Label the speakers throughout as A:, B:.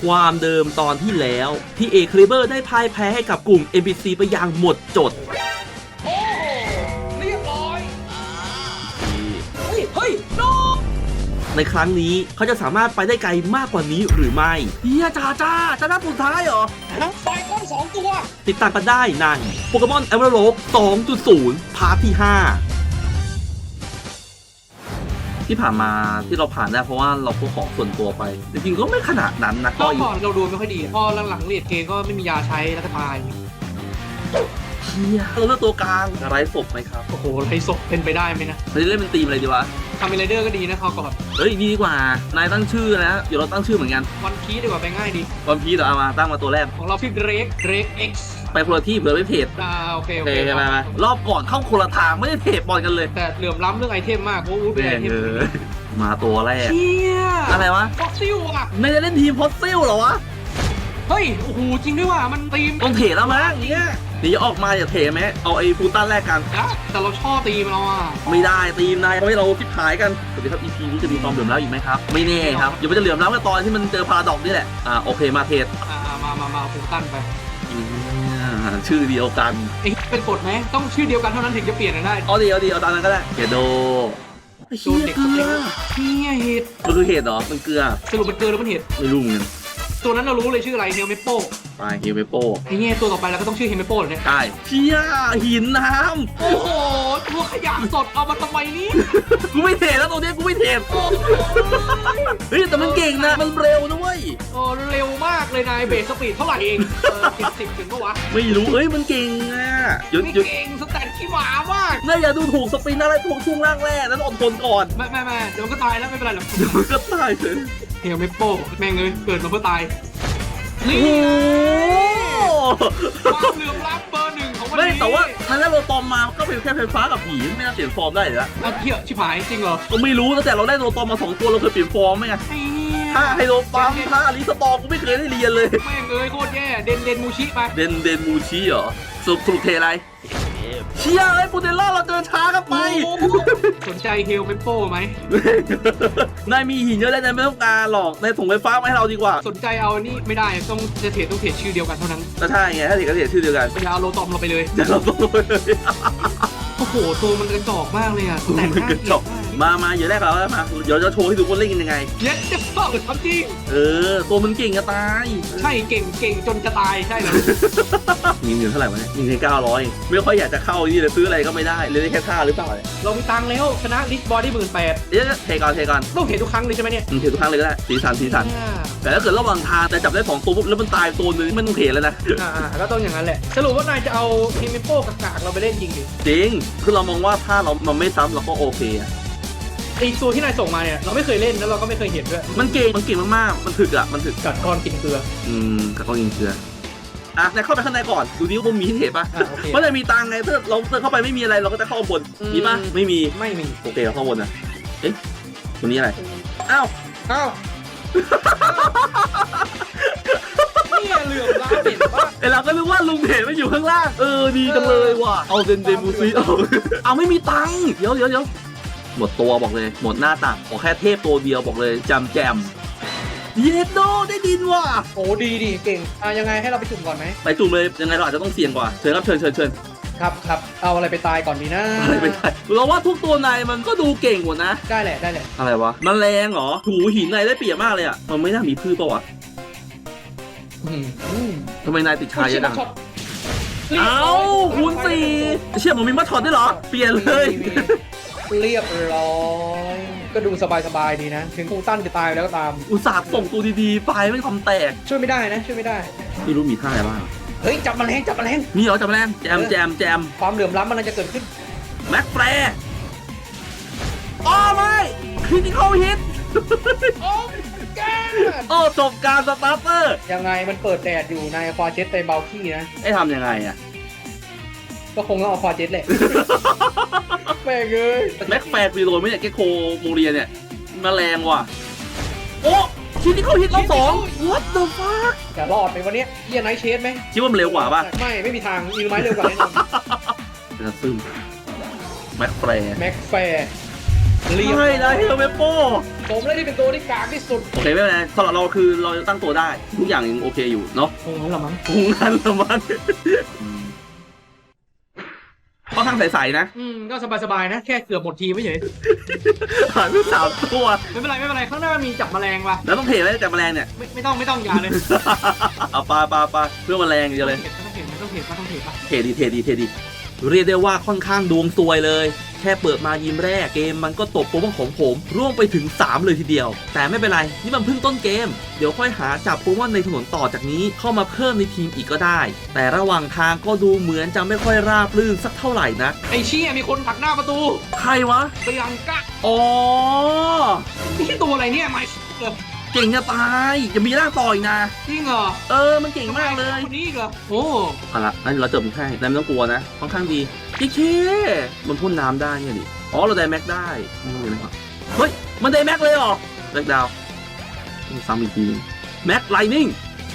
A: ความเดิมตอนที่แล้วที่เอคลิเบอร์ได้พ่ายแพ้ให้กับกลุ่ม NPC ไปอย่างหมดจด
B: โอ้เรียบร้อยเฮ้ยโน
A: ในครั้งนี้เขาจะสามารถไปได้ไกลมากกว่านี้หรือไม่เฮียจ้าจะนับสุดท้ายเหรอ
B: ไฟก้อน2 ตัว
A: ติดตามกันได้ในโปเกมอน Emerald 2.0 พาร์ทที่ 5 ที่ผ่านมาที่เราผ่านได้เพราะว่าเราพกของส่วนตัวไปจริงๆก็ไม่ขนาดนั้นนะ
B: ก็ก่อนเราดูไม่ค่อยดีพอหลังๆเรียดเกมก็ไม่มียาใช้แล้วก็ตาย
A: เฮียเราเลือกตัวกลางไร้ศพไหมครับ
B: โอ้โหไรศพเป็นไปได้ไหมนะ
A: เราจะเล่นเป็นทีมอะไรดีวะ
B: ทำเป็นไรเดอร์ก็ดีนะเขาก่อน
A: เฮ้ยดีกว่านายตั้งชื่อนะเดี๋ยวเราตั้งชื่อเหมือนกัน
B: วันพีดีกว่าไปง่ายดี
A: วันพีเดี๋ยวเอามาตั้งมาตัวแรก
B: ของเราชื่อเดรก X
A: ไปคนละที่เผื่อไม่เพจ
B: โอเค
A: มารอบก่อนเข้าคนละทางไม่ได้เพจบอลกันเลย
B: แต่เหลื่อมล้ำเรื่องไอเทมมากโอ้โหเป็นไอเทม
A: มาตัวแรกอะไรวะ
B: ฟ็อกซิลอ่ะ
A: ไม่ได้เล่นทีมฟอสซิลเหรอวะ
B: เฮ้ยโอ้โหจริงด้วยว่ะมันทีม
A: ต้องเทแล้วมั้งอย่างเงี้ยเดี๋ยวออกมาอย่าเทไหมเอาไอ้ฟูตันแรกกัน
B: แต่เราชอบทีมเราอ่ะ
A: ไม่ได้ทีมนายทำให้เราทิพหายกันสวัสดีครับ EP นี้จะมีความเหลื่อมล้ำอีกไหมครับไม่แน่ครับเดี๋ยวมันจะเหลื่อมล้ำกันตอนที่มันเจอพาราดอกนี่แหละโอเคมาเทส
B: มาฟูตันไป
A: ชื่อเดียวกัน
B: เป็นกฎไหมต้องชื่อเดียวกันเท่านั้นถึงจะเปลี่ยนได้
A: เอาตามนั้นก็ได้เกโด
B: เฮียเกลือเฮียเห็ด
A: มันคือเห็ดเหรอมันเกลือ
B: สรุปมันเกลือหรือมันเห็ด
A: ไม่รู้เหมือนกัน
B: ตัวนั้นเรารู้เลยชื่ออะไรเฮลเมโป้
A: ไปเฮลเมโป้
B: ไอ้เงี้ยตัวต่อไปเราก็ต้องชื่อเฮลเมโป้เนี่ย
A: ใช่เชี่ยหินน้ำ
B: โอ้โหตัวขยะสดเอามาทำไมนี่
A: กูไม่เทแล้วตัวนี้กูไม่เทเฮ้ยแต่มันเก่งนะมันเร็วนะเว้ย
B: เร็วมากเลยนายเบสสปีดเท่าไหร่เอง10ถึงปะวะ
A: ไม่รู้เอ้ยมันเก่งอ่ะ
B: ไม่เก่งสแตทขี้หมามาก
A: น่าอย่าดูถูกสปินอะไรพวกช่วงล่างแรกนั้นอดทนก่อน
B: ไม่เดี๋ยวมันก็ตายแล้วไม่เป็นไรหรอก
A: เดี๋ยวมันก็ตายเลย
B: เฮลเมโป้แม่งเลยเกิดมาเพื่อตาย
A: นี่
B: ความเหลื่อมล้ำเบอร์ 1ของวันนี้
A: ไม่แต่ว่านั่นแล้วเราตอมมาก็เป็นแค่ไฟฟ้ากับผีไม่น่าเปลี่ยนฟอร์มได้เลยละ
B: เที่ยชิบหายจริงเหรอ
A: ก็ไม่รู้แต่เราได้โนตอมมา2ตัวเราเคยเปลี่ยนฟอร์มไหมไงถ้าไฮโลปั๊มถ้าอลิสตอกูไม่เคยได้เรียนเลย
B: แม่งเลยโคตรแย่เดนมูชิไป
A: เดนมูชิเหรอสรุปเทอะไรเชี่ยไอ้ปูเดลล่าเราเดินช้ากันไป
B: สนใจเฮลเมโป้ไหม
A: นายมีหินเยอะแล้วนายไม่ต้องการหรอกนายส่งไฟฟ้ามาให้เราดีกว่า
B: สนใจเอานี่ไม่ได้ต้องเทรดชื่อเดียวกันเท่านั้น
A: ก็ใช่ไงถ้าเทรดก็เทรดชื่อเดียวกัน
B: อย่าเอาโลตอมเราไปเลย
A: อย่าเราต้องไปเลย
B: โอ้โหตัวมันกระจอกมากเลยอ่ะแต่
A: กระจอกมาเดี๋ยวแรกเราแล้วมาเดี๋ยวจะโชว์ให้ดูคนเล่นกันยังไง
B: เย็ดจะเปิดทำจริง
A: ตัวมันเก่งจะตาย
B: ใช่เก่งจนจะตายใช่เลย
A: มีเงินเท่าไหร่วะเนี่ยมีเงิน900ไม่ค่อยอยากจะเข้านี่เลยซื้ออะไรก็ไม่ได้เลยได้แค่ท่าหรือเปล่า
B: เรามีตังค์แล้วชนะลิสบอดี้18,000
A: เดี๋ยวเทก่อน
B: ต้องเททุกครั้งเลยใช่ไหมเนี่ย
A: เททุกครั้งเลยก็ได้สีสันแต่ถ้าเกิดระหว่างทางแต่จับได้2ตัวปุ๊บแล้วมันตายตัวนึงไม่ต้องเทแล้วนะ
B: ก็ต้องอย่างนั้นแหละสรุปว่านายจะเอาทีมโป้กากเราไปเล่นจริงดิ
A: จริงคือเรามองว่าถ้าเรามันไม่ซ้ำเราก็โอเค
B: ไอตัวที่นายส่งมาเนี่ยเราไม่เคยเล่นแล้วเราก็ไม่เคยเห็นด้วย
A: มันเก่งมากๆมันถึก
B: กัดก้อนกินเกลือ
A: กัดก้อนกินเกลือนายเข้าไปข้างในก่อนดูดิว่ามีที่เห็นป่ะเพราะนายมีตังไงถ้าเราเข้าไปไม่มีอะไรเราก็จะเข้าบนมีป่ะไม่มีโอเคเราเข้าบนนะเอ๊ะตัวนี้อะไรอ้าว
B: นี่เหลื่อมล้ำเห็นป่ะ
A: เราก็นึกว่าลุงเห็นมันอยู่ข้างล่างดีจังเลยว่ะเอาเดนบูซีเอาไม่มีตังเดี๋ยวหมดตัวบอกเลยหมดหน้าตักขอแค่เทพตัวเดียวบอกเลยแจมเยดโดได้ดินว่ะ
B: โอ้ดีเก่งยังไงให้เราไปจุ่มก่อนไหม
A: ไปจุ่มเลยยังไงเราอาจจะต้องเสี่ยงกว่าเชิญครับเชิญ
B: ครับเอาอะไรไปตายก่อนดีนะ
A: อะไรไปตายเราว่าทุกตัวนายมันก็ดูเก่งหมดนะ
B: ได้แหละ
A: อะไรวะมันแรงเหรอถูหินนายได้เปรียบมากเลยอ่ะมันไม่น่ามีพืชป่ะวะทำไมนายติดชายยังเอาคูณ4เชื่อมันมีมาถอดได้เหรอเปลี่ยนเลย
B: เรียบร้อยก็ดูสบายดีนะถึงคูตั้นจะตายแล้วก็ตาม
A: อุตส่าห์ส่งตัวดีๆไปไม่ทำแตก
B: ช่วยไม่ได้
A: ไม่รู้มีท่าอะไรบ้าง
B: เฮ้ยจับแมลง
A: มีเหรอจับแมลงแจม
B: ความเหลื่อมล้ำมันจะเกิดขึ้น
A: แม็กแฟร์ไม่คริติคอลฮิตจบการสตาร์เตอร์
B: ยังไงมันเปิดแดดอยู่ในควาเจ็ตเต็มเบลขี้นะ
A: ทำยังไงอ่ะ
B: ก็คงต้องเอาควาเจ็ตแหละแม่งเลย
A: แม็กแฟร์ปีโดนไม่เนี่ยแกโคโมเรียเนี่ยมาแรงว่ะโอ้ชิ้นที่เขาฮิตรอบ2 What the fuck
B: จะรอดไปวันนี้เยี่ยไนท์เชสไหม
A: คิดว่ามันเร็วกว่าป่ะ
B: ไม่มีทางอีไม้เร็วกว่าแน่นอน
A: จะซึมแม็กแฟร์
B: เรียบ
A: ใช่นะเฮลเวโป้
B: ผมเลยที่เป็นตัวที่กากที่สุด
A: โอเคไม่เป็นไรสำหรับเราคือเราจะตั้งตัวได้ทุกอย่างยังโอเคอยู่เนาะ
B: โอ้โหละมั้ง
A: คงงั้นละมันค่อนข้างใสๆนะ
B: ก็สบายๆนะแค่เกือบหมดทีมไม่เฉย
A: หายไป3 ตัว
B: ไม่เป็นไรไม่เป็นไรข้างหน้ามีจับแมลงว่ะ
A: แล้วต้องเทไว้แต่แมลงเนี่ย
B: ไม่ต้องอย่าเลย
A: เอาปลาเพื่อแมลงอย่างเดียวเลย
B: ต้องเห็นป่ะ
A: เทดีเรียกได้ว่าค่อนข้างดวงซวยเลย แค่เปิดมายิมแรกเกมมันก็ตบโปรโมของผมร่วงไปถึง 3 เลยทีเดียว แต่ไม่เป็นไร นี่มันเพิ่งต้นเกม เดี๋ยวค่อยหาจับโปรโมในถนนต่อจากนี้เข้ามาเพิ่มในทีมอีกก็ได้ แต่ระหว่างทางก็ดูเหมือนจะไม่ค่อยราบรื่นสักเท่าไหร่นะ
B: ไอ้เชี่ยมีคนผลักหน้าประตู
A: ใครวะ
B: เตียงกะ
A: อ๋อ
B: นี่ตัวอะไรเนี่ยไม่เหรอ
A: เก่งจะตายจะมีร่างต่ออีกนะ
B: จริงเหรอ
A: มันเก่งมากเลย
B: คนนี้อีกเหรอโอ้
A: เอาละนั่นเราเจอมึงให้นายไม่ต้องกลัวนะค่อนข้างดีจิ๊กเคมันพ่นน้ำได้เนี่ยดิอ๋อเราไดแม็กได้ไม่รู้เลยนะครับเฮ้ยมันไดแม็กเลยเหรอแบ็กดาวซ้ำอีกทีแม็กไลนิ่ง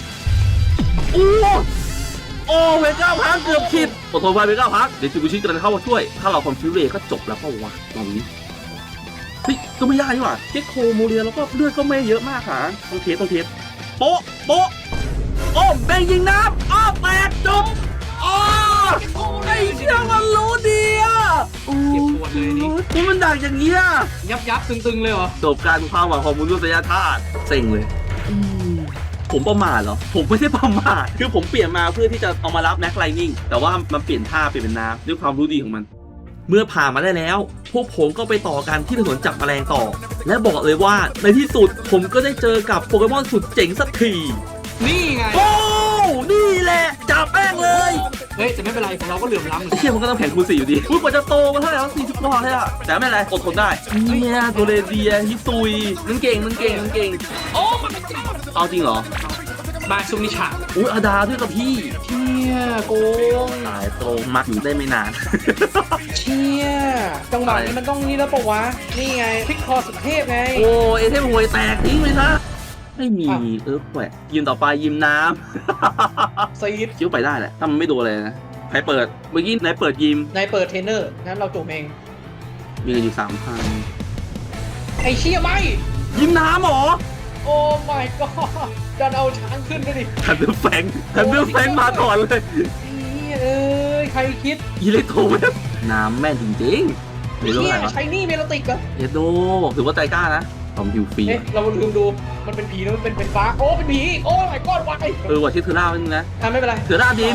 A: โอ้เวก้าพักเกือบคิดอดทนไว้เวก้าพักเดี๋ยวจูกุชิกำลังเข้ามาช่วย ถ้าเราคอมฟิวเรย์ก็จบแล้วก็วะตอนนี้เฮ้ยก็ไม่ยากนี่หว่าเจ็คโคโมเรียแล้วก็เลือดก็ไม่เยอะมากค่ะต้องเทสโป๊ะโอ้แบงยิงน้ำแตกจบไอ้เชี่ยมันรู้ดีอ่ะ
B: เก็บปวดเลยนี่
A: นี่มันดักอย่างเงี้ย
B: ยับตึงเลยเหรอ
A: จบการความหวังของมนุษยชาติเซ็งเลยผมประมาทเหรอผมไม่ได้ประมาทคือผมเปลี่ยนมาเพื่อที่จะเอามารับแม็กไลนิ่งแต่ว่ามันเปลี่ยนท่าเปลี่ยนเป็นน้ำด้วยความรู้ดีของมัน เมื่อผ่านมาได้แล้ว พวกผมก็ไปต่อกันที่ถนนจับแมลงต่อ และบอกเลยว่าในที่สุดผมก็ได้เจอกับโปเกมอนสุดเจ๋งสักที
B: นี่ไง
A: โอ้นี่แหละจับแม่งเลย
B: เฮ้ยแต่ไม่เป็นไรของเราก็เหลื่อมล้ำเหมือน
A: ไอ้เชี่ยมันก็ต้องแข่งคูณ4อยู่ดีอุ้ยกว่าจะโตมาเท่าไหร่แล้ว40 กว่าเลยอะแต่ไม่เป็นไรอดทนได้เนี่ยโดเรเดียฮิซุยมันเก่ง
B: โอ้มันไม่จริง
A: เอาจริงเหรอ
B: บาซุมิชา
A: อุ้ยอาดาด้วยกับพี่
B: เชี่ยโกง
A: ตายโตมักอยู่ได้ไม่นาน
B: เชี่ยจังหวะนี้มันต้องนี่แล้วปะวะ นี่ไงพลิกคอสุดเทพไง
A: โอ้เอเทมหวยแตกทิ้งไปซะไม่มีแหวะยิมต่อไปยิมน้ำ
B: ซีด
A: คิ้วไปได้แหละถ้ามันไม่โดนเลยนะใครเปิดเมื่อกี้ไหนเปิดยิม
B: นายเปิดเทรนเนอร์งั้นเราจบเอง
A: มีเงินอยู่3,000
B: ไอ้เชี่ยไม่
A: ยิมน้ำเหรอ
B: โอ้ my god ดันเอาช้างขึ้นด้วยดิ
A: ฮันเดอร์แฟงมาก่อนเลย
B: นี่เอ้ยใครคิด
A: อิเล็กโทรเวฟน้ำแม่นจริงๆไม่รู้
B: เชี่
A: อะ
B: ย
A: ไรวะ
B: ใช้นี่เมลติกเหรอ
A: เอโดถือว่าใจกล้านะทอมฮิวฟรี
B: เอ๊ะเราลืมดูมันเป็นผีนะมันเป็นฟ้าโอ้เป็นผีโอ้ my god วาย
A: ว่าชื่อเทอร่าเป็นนะ
B: ไม่เป็นไร
A: เทอร่าดิน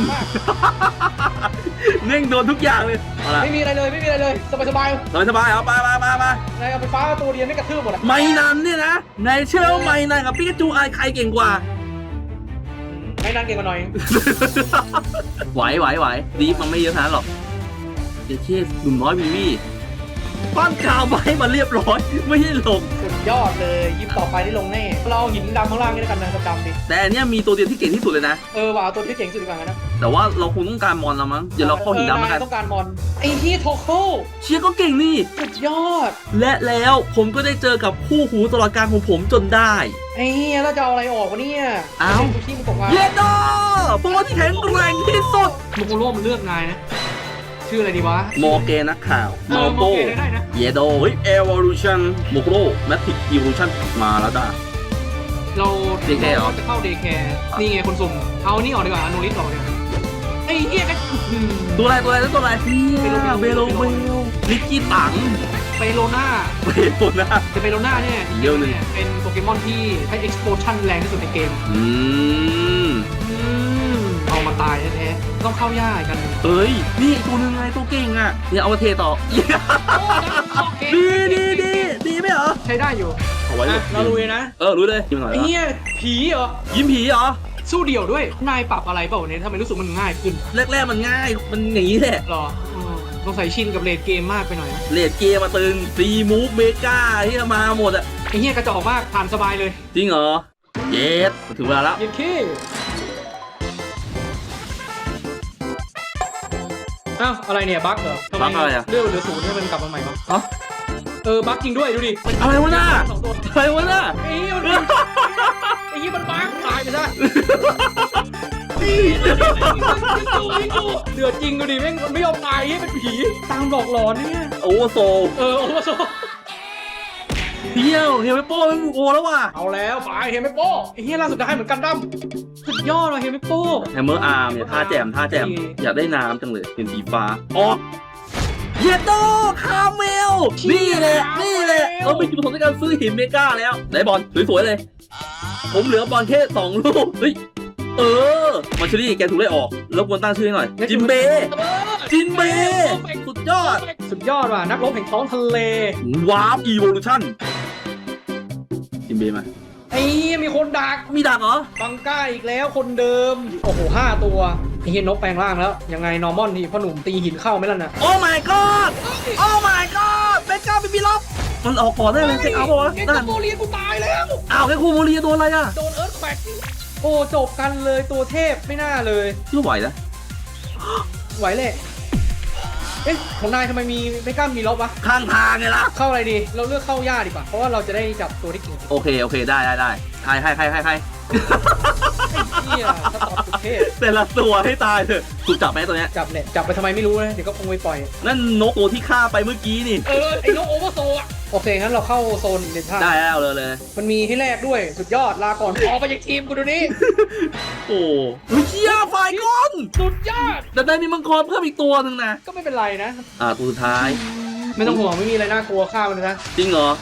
A: เน่งโดนทุกอย่างเลยเอาละ
B: ไม่มีอะไรเลยสบาย
A: สบายเอาไป
B: นายเอาไปฟ้าตัวเดียวไม่กระทืบหมดอ่ะ
A: ไม่นันเนี่ยนะในเชื่อว่าไม่นันกับปิกาจูใครเก่งกว่า
B: ไม่นานเก่งกว่าหน่อย
A: ไหวดีฟมันไม่เยอะขนาดนั้นหรอกเดี๋ยวเช่หนุ่มน้อยวีวีปั้นกาวไว้มาเรียบร้อยไม่ให้ลง
B: สุดยอดเลยยิบต่อไปได้ลงแน่เราเอาหินดำข้างล่างนี่แล้วกันนะดำๆดิ
A: แต่อันเนี้ยมีตัวเดียวที่เก่งที่สุดเลยนะ
B: ว่าเอาตัวที่เก่งสุดดีกว่านะ
A: แต่ว่าเราคงต้องการมอนแล้วมั้งเดี๋ยวเราเข้าหินดำแล้วกัน
B: ต้องการมอนไอ้ที่โทโค่
A: เชียร์ก็เก่งนี่
B: สุดยอด
A: และแล้วผมก็ได้เจอกับคู่หูตลอดการของผมจนได้
B: ไอ้เหี้ยแล้วจะเอาอะไรออกวะเนี่ย
A: เอ้า
B: ดูที่มันตกมา
A: เยโดพวกที่แข็งแกร่งที่สุด
B: โมโกโร่มันเลือกนายนะชื่ออะไรดีวะ
A: โมเกนักข่าว
B: โมโกได้นะ
A: เยโดเฮ้ย Evolution โมโกโร่แมทริก Evolution มาแล้วจ้า
B: เรา
A: DK เหรอ
B: จะเข้าเดย์แคร์นี่ไงคนสุ่มเอานี่ออกดีกว่าอนุริสออกดีกว่าไอ้เหี้ยก็
A: ตัวอะไรเบโลลิกกี้ตัง
B: เปโลน่า
A: เบโลนะ
B: แต่เปโลน่าเนี่ย
A: อีกเรื่องหนึ่ง
B: เป็นโปเกมอนที่ให้ explosion แรงที่สุดในเกม เอามาตายแท้ๆต้องเข้ายากกัน
A: เอ้ยนี่อีกตัวหนึงไงตัวเก่งอ่ะเนี่ยเอามาเทต่อ ดีไหมเหรอ
B: ใช้ได้อยู่
A: เอาไว้
B: เราลุยนะ
A: รู้เลยยิ้มหน่อย
B: ไอ้เหี้ยผีเหรอ
A: ยิ้มผีเหรอ
B: สู้เดี่ยวด้วยนายปรับอะไรเปล่าเนี่ยทำไมรู้สึกมันง่ายขึ้น
A: แรกๆมันง่ายมันอย่างนี้แหละ
B: หรอต้องใส่ชินกับเลดเกมมากไปหน่อยนะ
A: เลดเกมมาตึงซีมูฟเมกาที่มาหมดอ่ะ
B: ไอ้เหี้ยกระจอกมากผ่านสบายเลย
A: จริงเหรอเยสถึงเวลาแล้ว
B: เย็นขี้อ้าวอะไรเนี่ยบั๊กเหรอทำไม
A: บั๊กอะไรอะ
B: เลือดเหลือศูนย์ให้มันกลับมาใหม่ปะ
A: ฮะ
B: บั๊กจริงด้วยดูดิ
A: อะไรวะน่า
B: สองตัว
A: อะไรวะน่า
B: ไอ้เหี้ยมันบั๊กตายไปซะเดือดจริงดูดิแม่งไม่ยอมตายเป็นผีตามหลอกหลอนเนี่ย
A: โอเวอร์โซล
B: โอ้โห
A: เที่ยวเฮลเปโป้มันโอแล้วว่ะ
B: เอาแล้วไปเฮมิโป้ไอ้เฮียล่าสุดได้เหมือนกันดั้มสุดยอดเลยเฮมิโป้
A: แฮมเมอร์อาร์มเนี่ยท่าแจมอยากได้น้ำจังเลยเป็นสีฟ้าออกเยโตคาเมลนี่แหละเราเป็นจุดประสงค์ในการซื้อหินเมกาแล้วได้บอลสวยๆเลย ผมเหลือบอลแค่2 ลูกเฮ้ยมาชลี่แกถูกไล่ออกแล้วควรตั้งชื่อให้หน่อยจิมเบสุดยอด
B: สุดยอดว่ะนักรบแห่งท้องทะเล
A: วาร์ปอีโวลูชั่นจิมเบมา
B: ไอ้เหี้ยมีคนดัก
A: มีดักเหรอ
B: บังก้าอีกแล้วคนเดิมโอ้โห5 ตัวไอ้เฮียนกแปลงร่างแล้วยังไงนอร์มอนที่พ่อหนุ่มตีหินเข้าไหมล่ะน่ะ
A: โอ้ my god โอ้ my god เบก้าเป็นบีล็อกมันออกก่อนได้เลยเช็คเอาท์ป่ะวะ
B: เอ็ก
A: นั่น
B: ซ์โมเรียนกูตายแล้ว
A: อ้าวแค่คูโมเรียโดนอะไรอ่ะ
B: โดนเอิร์ธแควกโอ้จบกันเลยตัวเทพไม่น่าเลย
A: ชื่อไหวนะ
B: ไหวเลยเอ๊ะของนายทำไมไม่กล้ามีลบวะ
A: ข้างทางไงล่ะ
B: เข้าอะไรดีเราเลือกเข้าย่าดีกว่าเพราะว่าเราจะได้จับตัวที่เก่ง
A: โอเคได้ใคร
B: ไอ้เหี้ยสตอปสุดเทพ
A: แต่ละตัวให้ตายเถอะถูกจับไหมตัวเนี้ย
B: จับเลยจับไปทำไมไม่รู้นะเดี๋ยวก็คงไปปล่อย
A: นั่นนกตัวที่ฆ่าไปเมื่อกี้นี่
B: ไอ้นกโอเวอร์โซอะโอเคงั้นเราเข้าโซนเดนท่า
A: ได้แล้วเลย
B: มันมีให้แลกด้วยสุดยอดลาก่อนออกไปจากทีมกูเดูนี่
A: โอ้เชี่ยไฟก้อน
B: สุดยอด
A: แต่ได้มีมังกรเพิ่มอีกตัวหนึ่งนะ
B: ก็ไม่เป็นไรนะ
A: ตัวสุดท้าย
B: ไม่ต้องห่วงไม่มีอะไรน่ากลัวฆ่ามันนะ
A: จริงเหรอ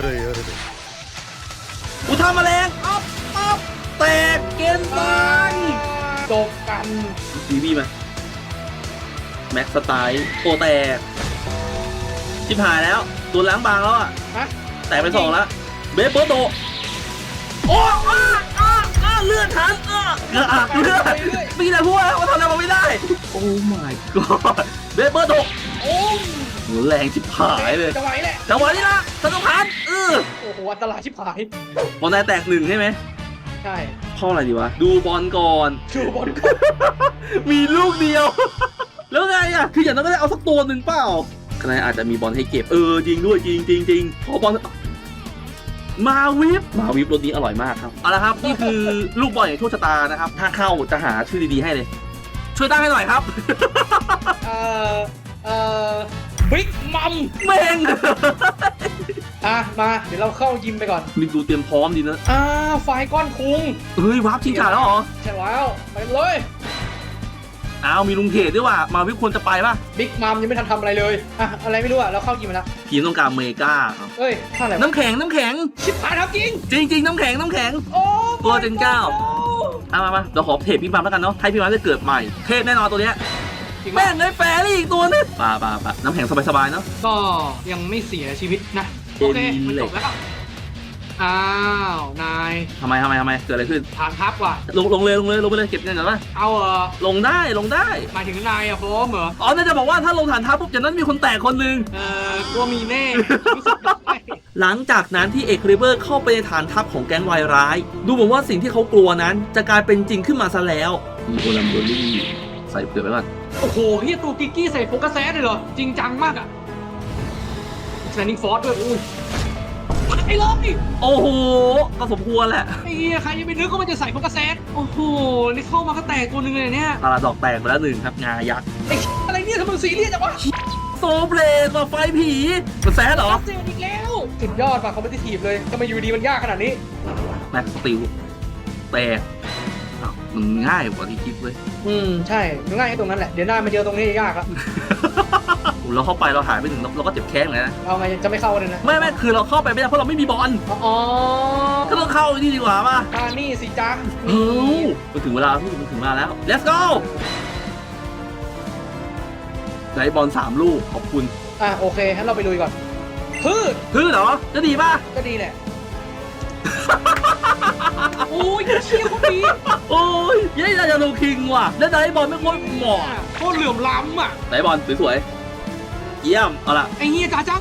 A: อุทาแมลงอ๊อบแตกเกณฑ์ตาย
B: จบกัน
A: ดีบี้มาแม็กสไตล์โอแตกชิบหายแล้วตัวล้างบางแล้วอ่ะ
B: ฮะ
A: แตกไป2แล้วเบฟเบิร์โตโอ้เลือดทันเลือดมีแต่พูดว่าทำอะไรมาไม่ได้โอ้ my god เบฟเบิร์โต
B: โอ้ย
A: แรงชิบหายเลย
B: จะไหวแหละ
A: จังหวะนี้นะสนุกพัน
B: โอ้โหอันตรายชิบหาย
A: บอลนายแตก1ใช่ไหม
B: ใช่
A: เข้าอะไรดีวะดูบอลก่อน
B: ชูบอลก่อน
A: มีลูกเดียว แล้วไงอ่ะคืออย่างนั้นก็ได้เอาสักตัวหนึ่งเปล่าคะแนนอาจจะมีบอลให้เก็บจริงด้วยจริงขอบอลมาวิปรสนี้อร่อยมากครับเอาละครับนี่คือลูกบอลอย่างโชคชะตานะครับถ้าเข้าจะหาชื่อดีๆให้เลย ช่วยตั้งให้หน่อยครับ
B: บิ๊กมัม
A: แม่ง
B: มาเดี๋ยวเราเข้ายิมไปก่อน
A: นี่ดูเตรียมพร้อมดีนะ
B: ไฟก้อนคุง
A: เฮ้ยวาร์ปชิงขาดแล้วเหรอ
B: ใช่แล้วไปเลย
A: อ้าวมีลุงเขตด้วยว่ะมาวิปควรจะไปป่ะ
B: บิ๊กมัมยังไม่ทันทำอะไรเลยอะไรไม่รู้เราเข้ายิมไปแล้ว
A: ทีมต้องการเมกาครับ
B: เอ้ยท่าอะไร
A: น้ำแข็ง
B: ชิบหายครับจริง
A: จริงน้ำแข็ง
B: โอ้
A: ตัวเจน9มาเดี๋ยวขอเทปพี่บามแล้วกันเนาะให้พี่บามได้เกิดใหม่เทพแน่นอนตัวเนี้ยแม่งเลยแฟรี่อีกตัวนึงป่าน้ำแข็งสบายๆเนาะ
B: ก็ยังไม่เสียชีวิตนะโอเคมันจบแล้วอ้าวนาย
A: ทำไมเกิดอะไรขึ้น
B: ฐานทัพว่ะ
A: ลงไปเลยเก็บเงินก่อนป่ะ
B: เอา
A: ลงได้
B: หมายถึงนายโฟมเหรอ
A: น่าจะบอกว่าถ้าลงฐานทัพปุ๊บจากนั้นมีคนแตกคนนึง
B: กลัวมีแน่
A: หลังจากนั้นที่เอกริเบอร์เข้าไปในฐานทัพของแก๊งวายร้ายดูเหมือนว่าสิ่งที่เขากลัวนั้นจะกลายเป็นจริงขึ้นมาซะแล้วมีโอลัมเบอรี่ใส่เปลือกไว้ก่อน
B: โอ้โหเฮียตัวกิกกี้ใส่โฟกัสแซดเลยเหรอจริงจังมากอะแซนดิ้งฟอร์ดด้วยอุ้ยไอ้เลย
A: โอ้โหก็สมควรแหละ
B: ไอ้เฮียใครยังไปนึกว่ามันจะใส่โฟกัสแซดโอ้โหนี่เข้ามาก็แตกตัวนึงเลยเนี่ย
A: พาราดอกแตกไปแล้ว1ครับงายักษ์
B: ไอ้อะไรเนี่ยทำไมซีเรียสจังวะ
A: โซเบลดมาไฟผีมันแซดเหรอ
B: เจออีกแล้วสุดยอดป่ะคอมเพติทีฟเลยทำไมอยู่ดีมันยากขนาดนี้
A: แม็กสติลแต่มันง่ายกว่าที่คิดเลย
B: ใช่ง่ายแค่ตรงนั้นแหละเดี๋ยวหน้ามาเจอตรงนี้ยากละ
A: เราเข้าไปเราหายไปถึงเราก็เจ็บแข้งเลยนะ
B: เอาไงจะไม่เข้าเลยนะ
A: ไม่คือเราเข้าไปไม่ได้เพราะเราไม่มีบอลก็ต้องเข้าที่ดีกว่าป่ะ
B: นี่สิจัง
A: มันถึงเวลามันถึงมาแล้ว let's go ได้บอล3 ลูกขอบคุณ
B: โอเคงั้นเราไปลุยก่อน
A: พืชเหรอจะดีป่ะ
B: ก็ดีแหละโอ้ยเชี่ยคนนี้
A: โอ้ยยัยจะลงคิงว่ะแล้วได้บอลไม่ค่อยเหมาะ
B: โคตรเหลื่อมล้ำอ่ะ
A: ได้บอลสวยๆเยี่ยมเอาละ
B: ไอ้เหี้ยจ้าจ้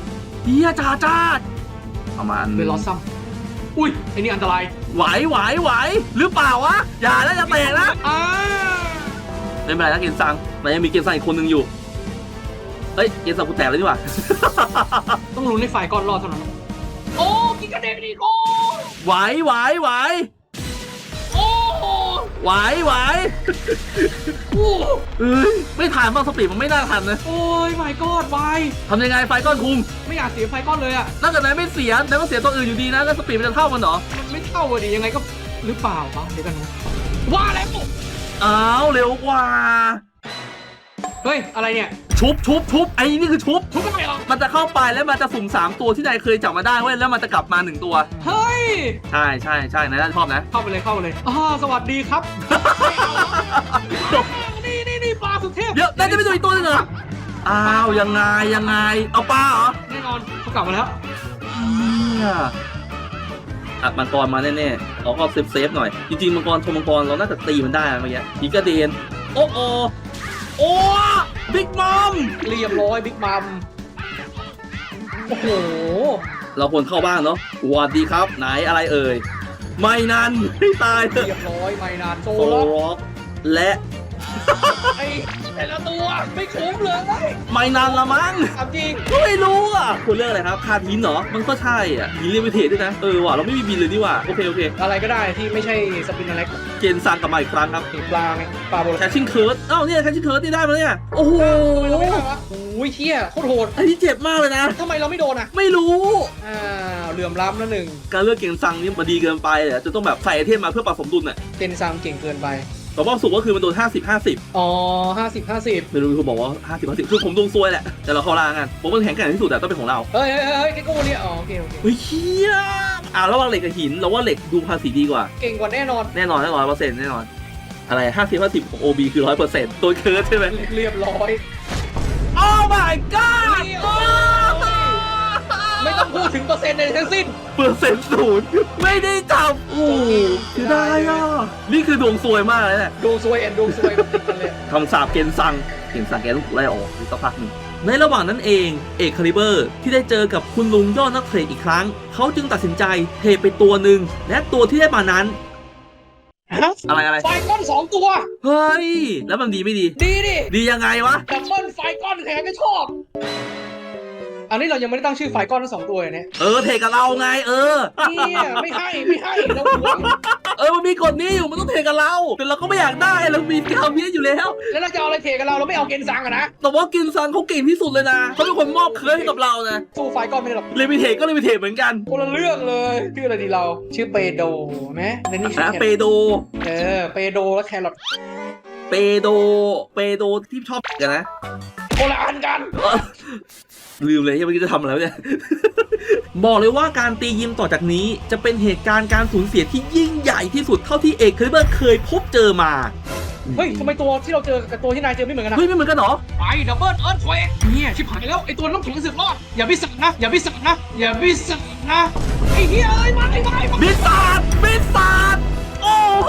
A: ประมาณ
B: เป็นลอสซัมอุ้ยไอ้นี่อันตราย
A: ไหวหรือเปล่าวะอย่าแล้วจะแตกนะไม่เป็นไรนะเกณฑ์ซังมันยังมีเกณฑ์ซังอีกคนนึงอยู่เฮ้ยเกณฑ์ซังกูแตกแล้วนี่หว่า
B: ต้องลุ้นในฝ่ายก่อนรอดเท่านั้นโอ้กินกระเด็นอีกโอ้
A: ไหว
B: โอ้
A: ไหวไหว
B: โอ้
A: เอ้ยไม่ทันบ้างสปีดมันไม่น่าทันนะ
B: โอ้ยไม่กอดวาย
A: ทำยังไงไฟก้อนคุม
B: ไม่อยากเสียไฟก้อนเลยอ่ะ
A: ถ้าเกิดไหนไม่เสียแต่ก็เสียตัวอื่นอยู่ดีนะแล้วสปีดมันจะเท่ากันเหรอ
B: มันไม่เท่าอะดิยังไงก็หรือเปล่าวะเดี๋ยวกันนะว่าแล้ว
A: อ้าวเร็วกว่า
B: เฮ้ยอะไรเนี่ย
A: ชุบไอ้นี่คือชุบ
B: ทุกอะไรหรอ
A: มันจะเข้าไปแล้วมันจะสุ่ม3ตัวที่นายเคยจับมาได้เว้ยแล้วมันจะกลับมา1ตัว
B: เฮ้ย
A: ใช่นายน่าจะชอบนะ
B: เข้าไปเลยสวัสดีครับนี่ปลาสุดเทพ
A: เดี๋ยวน่าจะไม่ตัวอีกตัวนึงเหรออ้าวยังไงเอาปลาเหรอ
B: แน่นอนเขากลับมาแล้ว
A: เนี่ยอัดมังกรมาแน่ๆเราก็เซฟหน่อยจริงๆมังกรชมมังกรเราน่าจะตีมันได้นะเมื่อกี้อีกระเดนโอ้บิ๊กมัม
B: เรียบร้อยบิ๊กมัมโอ้โห
A: เราควรเข้าบ้านเนาะสวัสดีครับไหนอะไรเอ่ยไม่นานไม่ตายเถอะ
B: เรียบร้อยไม่นานโซ
A: โซ
B: ล็อก
A: ล็อกและ
B: ไอ้แต่ละตัวไม่คุ้มเลย
A: ไม่นานละมั้ง
B: ถามจริง
A: ก็ไม่รู้อ่ะคุณเรื่องอะไรครับคาทินเหรอมันก็ใช่อ่ะมีลิมิเทดด้วยนะว่ะเราไม่มีบินเลยนี่ว่ะโอเค
B: อะไรก็ได้ที่ไม่ใใช่สปินอเล็ก
A: เกณฑ์สั่งกลับมาอีกครั้งครับ
B: ปลาไงปลาโบราณ
A: แคชชิ่งเคิร์ดเนี่ยแคชชิ่งเคิร์ดนี่ได้มาเนี่ยโอ้โห
B: ทำไมเราไม่ได้วะโอ้ยเชี่ยโคตรโหด
A: อันนี้เจ็บมากเลยนะ
B: ทำไมเราไม่โดนอ่ะ
A: ไม่รู้
B: เหลื่อมล้ำแล้วหนึ่ง
A: การเลือกเกณฑ์สั่งนี่มันดีเกินไปเลยจะต้องแบบใส่ไอเทมมาเพื่อปรับสมดุลอ่ะ
B: เจนซังเก่งเกินไป
A: แต่ว่าสุกก็คือมันโดน50
B: อ๋อ50
A: ไม่รู้คุณบอกว่า50คือผมดวงซวยแหละแต่เราเข้าล่างกันผมมันแข็งแกร่งที่สุดอะต้องเป็นของเรา
B: เฮ้ยแกโก้เนี่ยอ๋อโอเค
A: เฮ้ยเชี่ยระหว่างเหล็กกับหินเราว่าเหล็กดูภาษีดีกว่า
B: เก่งกว่าแน่นอน
A: แน่นอน100%แน่นอนอะไร50ของ OB คือ100%ตัวเคิร์ดใช่ไหม
B: เรียบร้อย
A: โอ้ my god
B: ไม่ต้องพูดถึงเปอร์เซ็นต์ใดทั้งสิ้น
A: เปอร์เซ็นต์ศูนย์ไม่ได้จับโอ้คือได้อ่ะนี่คือดวงซวยมากเลยเนี่ย
B: ดวงซวยแอนดวงซวยมันติดกันเลย
A: คำสาปเกณฑ์สั่งแกต้องถูกไล่ออกในสักพักหนึ่งในระหว่างนั้นเองเอกคาลิเบอร์ที่ได้เจอกับคุณลุงยอดนักเทรดอีกครั้งเขาจึงตัดสินใจเทไปตัวหนึ่งและตัวที่ได้มานั้นอะไร
B: ไฟก้อน2ตัว
A: เฮ้ยแล้วมันดีไม่ดี
B: ดีดิ
A: ดียังไงวะ
B: ดับเบิลไฟก้อนแข็งก็ชอบ อันนี้เรายังไม่ได้ตั้งชื่อไฟก้อนทั้ง2ตัวเลยเนี่ย
A: เทกับเราไง
B: เนี่ยไม่ให้เราหวง
A: มันมีกฎนี้อยู่มันต้องเทกับเราแต่เราก็ไม่อยากได้เรามีคำนี้อยู่แล้ว
B: แล้วเราจะเอาอะไรเทกับเราไม่เอาเกนซังอะนะ
A: แต่ว่ากินซันเขาเก่งที่สุดเลยนะเขาเป็นคนมอบเคิร์ดให้กับเรานะ
B: สู้ไฟก้อนไม่ได้หรอก
A: ลิมิเทก็ลิมิเทเหมือนกัน
B: คนละเรื่องเลยชื่ออะไรดีเราชื่อเปโดไหมในนี่ชื่อ
A: เปโด
B: เปโดแล้วแครอท
A: เปโดที่ชอบกันนะ
B: คนละอันกัน
A: ลืมเลยที่เมื่อกี้จะทำอะไรวะเนี่ย บอกเลยว่าการตียิมต่อจากนี้จะเป็นเหตุการณ์การสูญเสียที่ยิ่งใหญ่ที่สุดเท่าที่เอกคาลิเบอร์เคยพบเจอมา
B: เฮ้ยทำไมตัวที่เราเจอกับตัวที่นายเจอไม่เหมือนกันนะ
A: เฮ้ยไม่เหมือนกันเหรอ
B: ไปดับเบิลเอิร์ธเควกเนี่ยชิบหายแล้วไอตัวน้ำแข็งสึกรอดอย่าพิสักนะไอ้เหี้ยมา
A: บิสซาดโอ้โห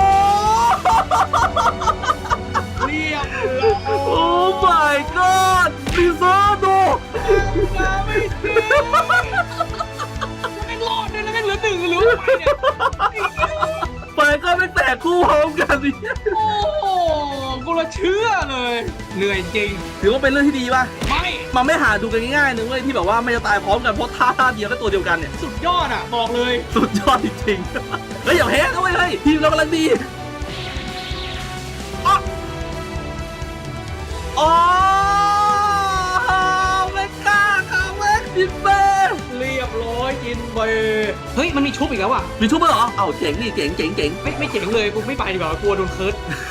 B: เรียบ
A: โอ้ my god บิสซาโด
B: ไม่จริงแม่งรอดเลยแล้วแม่งเหลือ1หรือไปเนี่ย
A: ไปก็ไม่แตกคู่พร้อมกันดิ
B: โอ้กูละเชื่อเลยเหนื่อยจริง
A: ถือว่าเป็นเรื่องที่ดีป่ะ
B: ไม่
A: มันไม่หาดูกันง่ายๆนึงเว้ยที่แบบว่าไม่จะตายพร้อมกันเพราะท่าเดียวก็ตัวเดียวกันเนี่ย
B: สุดยอดอ่ะบอกเลย
A: สุดยอดจริงๆเฮ้ยอย่าแพ้นะเว้ยเฮ้ยทีมเรากำลังดีอ๋อไม่กล้าค่ะเว้ยดิเบ้
B: เรียบร้อยกินเบเฮ้ยมันมีชุบอีกแล้วอ่ะ
A: มีชุบมั้ยเหรอเอ้าเจ๋งนี่เจ๋ง
B: ไม่เจ๋งเลยกูไม่ไปดีกว่ากลัวโดนเคิร์ด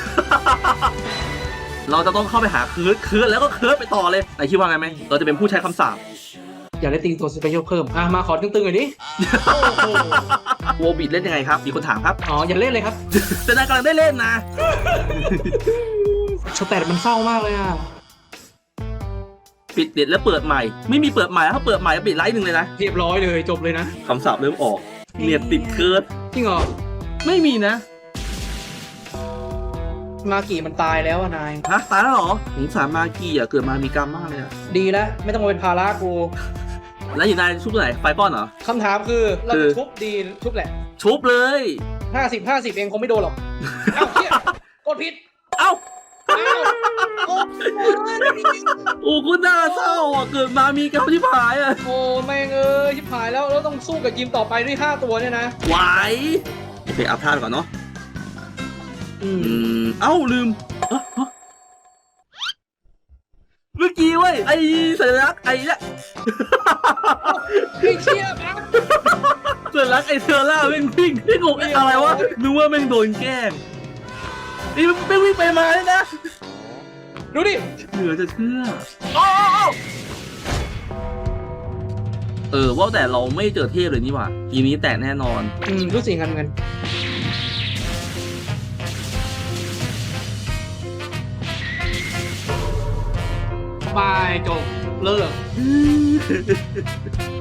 A: เราจะต้องเข้าไปหาเคิร์ดแล้วก็เคิร์ดไปต่อเลยไหนคิดว่าไงไหมเราจะเป็นผู้ใช้คำสาป
B: อยากได้ตีตัวสเปเชียลเพิ่มมาขอตึงๆหน่อยดิโอ้โห
A: โวบิดเล่นยังไงครับมีคนถามครับ
B: อ๋ออย่าเล่นเลยครับ
A: แต่นายกำลังได้เล่นนะ
B: สแตทมันเศร้ามากเลยอ่ะ
A: ปิดเด็ดแล้วเปิดใหม่ไม่มีเปิดใหม่ถ้าเปิดใหม่ก็ปิดไลฟ์หนึ่งเลยนะ
B: เรียบร้อยเลยจบเลยนะ
A: คำสาปเริ่มออกเนียดติดเคิร์ด
B: จริงเหรอ
A: ไม่มีนะ
B: มากี่มันตายแล้วอะนาย
A: ฮะตายแล้วเหรอสงสารมากี้อ่ะเกิดมามีกรรมมากเลยอ่ะ
B: ดีแล้วไม่ต้องมาเป็นภาระกู
A: แล้วอยู่ในชุบตัวไหนไฟป้อนเหรอ
B: คำถามคือเราจะทุบดีทุบแหละ
A: ชุบเลย
B: 50 เองคงไม่โดนหรอกเอ้าเหี้ยกดผิด
A: เอ้า
B: อ้าวโอ้
A: โอ้คุณน่าเศร้าอ่ะเกิดมามีกรรมที่ผายอ่ะ
B: โหแม่งเอ้ยชิบหายแล้วต้องสู้กับยิมต่อไปด้วย5ตัวเนี่ยนะ
A: ไหวไปอัพท่าก่อนเนาะเอ้าลืมเมื่อกี้เว้ยไอ้สัญลักษณ์ไอ้เนี่ย
B: ไอ้เชี่ยนะ
A: สัญลักษณ์ไอ้เทอร่าแม่งวิ่งพี่งงอะไรวะนึกว่าแม่งโดนแกล้งนี่มันวิ่งไปมาเลยนะ
B: ดูดิ
A: เหลือจะเชื่อว่าแต่เราไม่เจอเทพเลยนี่หว่าทีนี้แตกแน่นอน
B: รู้สึกกันเหมือนกันบายจบเลิก